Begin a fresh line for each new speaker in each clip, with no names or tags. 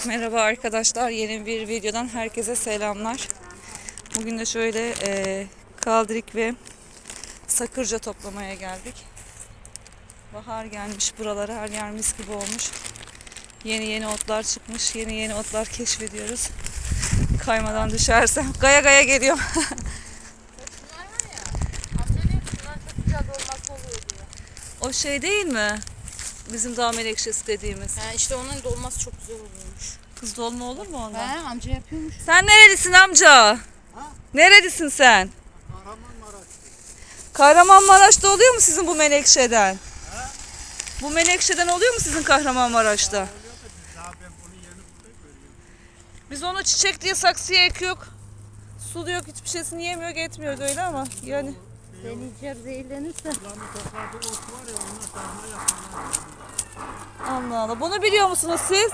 Merhaba arkadaşlar, yeni bir videodan herkese selamlar. Bugün de şöyle kaldirik ve sakırca toplamaya geldik. Bahar gelmiş buralara, her yer mis gibi olmuş. Yeni otlar çıkmış, yeni otlar keşfediyoruz. Kaymadan düşersem, gaya gaya geliyorum.
Şunlar var ya, amca diyor ki şunlar çok güzel dolması oluyor diyor.
O şey değil mi? Bizim dağ menekşesi dediğimiz.
İşte onun dolması çok güzel oluyormuş.
Kız dolma olur mu ondan?
Amca yapıyormuş.
Sen nerelisin amca? Ha? Nerelisin sen? Kahramanmaraş'ta oluyor mu sizin bu menekşeden? Ha? Bu menekşeden oluyor mu sizin Kahramanmaraş'ta? Biz onu çiçek diye saksıya ekiyoruz. Suluyor, hiçbir şeysini yemiyor, etmiyor öyle ama yani.
Deneyeceğim zehirlenirse.
Allah Allah. Bunu biliyor musunuz siz?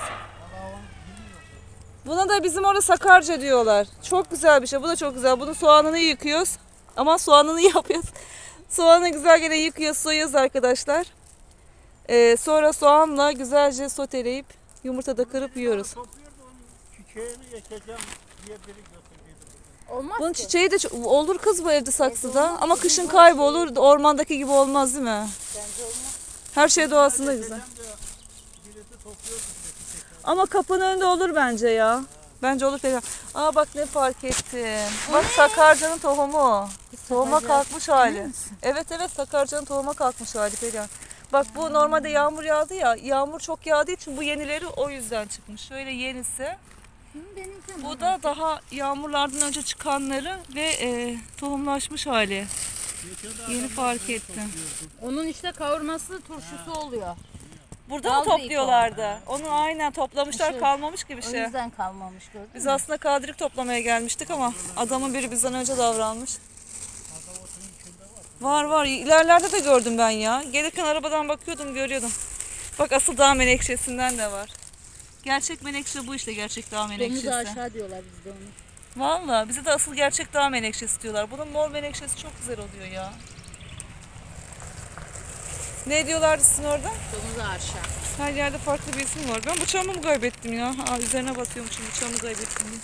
Buna da bizim orada sakarca diyorlar. Çok güzel bir şey. Bu da çok güzel. Bunun soğanını yıkıyoruz. Ama soğanını yapıyoruz. Soğanı güzel gene yıkıyoruz, soyuyoruz arkadaşlar. Sonra soğanla güzelce soteleyip yumurtada kırıp yiyoruz.
Olmaz
Bunun
ki.
çiçeği de olur kız bu evde saksıda. Ama kışın kaybolur. Ormandaki gibi olmaz değil mi?
Bence olmaz.
Her şey doğasında güzel. Ama kapının önünde olur bence ya. Bence olur falan. Aa bak ne fark ettim. Bak sakarcanın tohumu. Tohuma kalkmış hali. Evet sakarcanın tohuma kalkmış hali Perihan. Bak bu normalde yağmur yağdı ya. Yağmur çok yağdığı için bu yenileri o yüzden çıkmış. Şöyle yenisi. Bu da daha yağmurlardan önce çıkanları ve tohumlaşmış hali. Yeni fark ettim.
Onun işte kavurması turşusu oluyor.
Burada mı topluyorlardı? Onu aynen toplamışlar, kalmamış gibi
O
şey.
yüzden kalmamış, gördün
Biz
mü?
aslında kaldirik toplamaya gelmiştik ama adamın biri bizden önce davranmış. Var. İlerlerde de gördüm ben ya. Gelirken arabadan bakıyordum, görüyordum. Bak asıl dağ menekşesinden de var. Gerçek menekşe bu işte, gerçek dağ menekşesi.
Domuzu aşağı diyorlar bizde onu.
Valla bize de asıl gerçek dağ menekşesi diyorlar. Bunun mor menekşesi çok güzel oluyor ya. Ne diyorlardı sizin orada?
Domuzu aşağı.
Her yerde farklı bir isim var. Ben bıçağımı mı kaybettim ya? Üzerine basıyormuşum, bıçağımı kaybettim diye.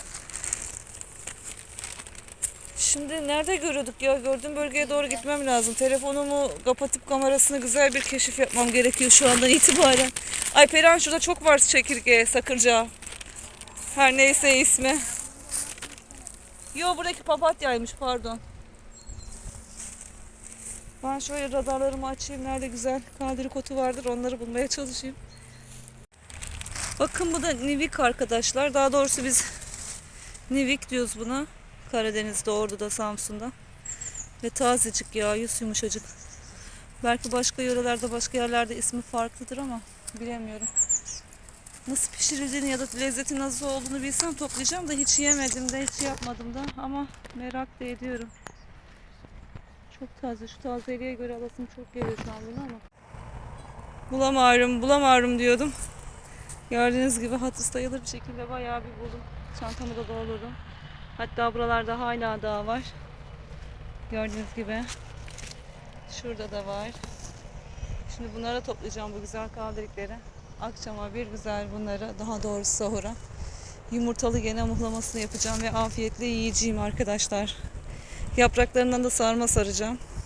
Şimdi nerede görüyorduk ya? Gördüğüm bölgeye doğru gitmem lazım. Telefonumu kapatıp kamerasını güzel bir keşif yapmam gerekiyor şu andan itibaren. Ay Perihan, şurada çok var çekirge, sakırca. Her neyse ismi. Yo, buradaki papatyaymış, pardon. Ben şöyle radarlarımı açayım. Nerede güzel kaldirik otu vardır, onları bulmaya çalışayım. Bakın bu da nivik arkadaşlar. Daha doğrusu biz nivik diyoruz buna. Karadeniz'de, Ordu'da, Samsun'da. Ve tazecik ya, yüz yumuşacık. Belki başka yörelerde, başka yerlerde ismi farklıdır ama bilemiyorum. Nasıl pişirildiğini ya da lezzeti nasıl olduğunu bilsem toplayacağım da hiç yemedim de, hiç yapmadım da ama merak da ediyorum. Çok taze. Şu tazeliğe göre alasım çok geliyor şu an bunu ama. Bulamıyorum diyordum. Gördüğünüz gibi hatır sayılır bir şekilde bayağı bir buldum. Çantamı da doldurdum. Hatta buralarda hala daha var. Gördüğünüz gibi. Şurada da var. Şimdi bunları toplayacağım, bu güzel kaldirikleri. Akşama bir güzel bunları, daha doğrusu sahura, yumurtalı gene muhlamasını yapacağım ve afiyetle yiyeceğim arkadaşlar. Yapraklarından da sarma saracağım.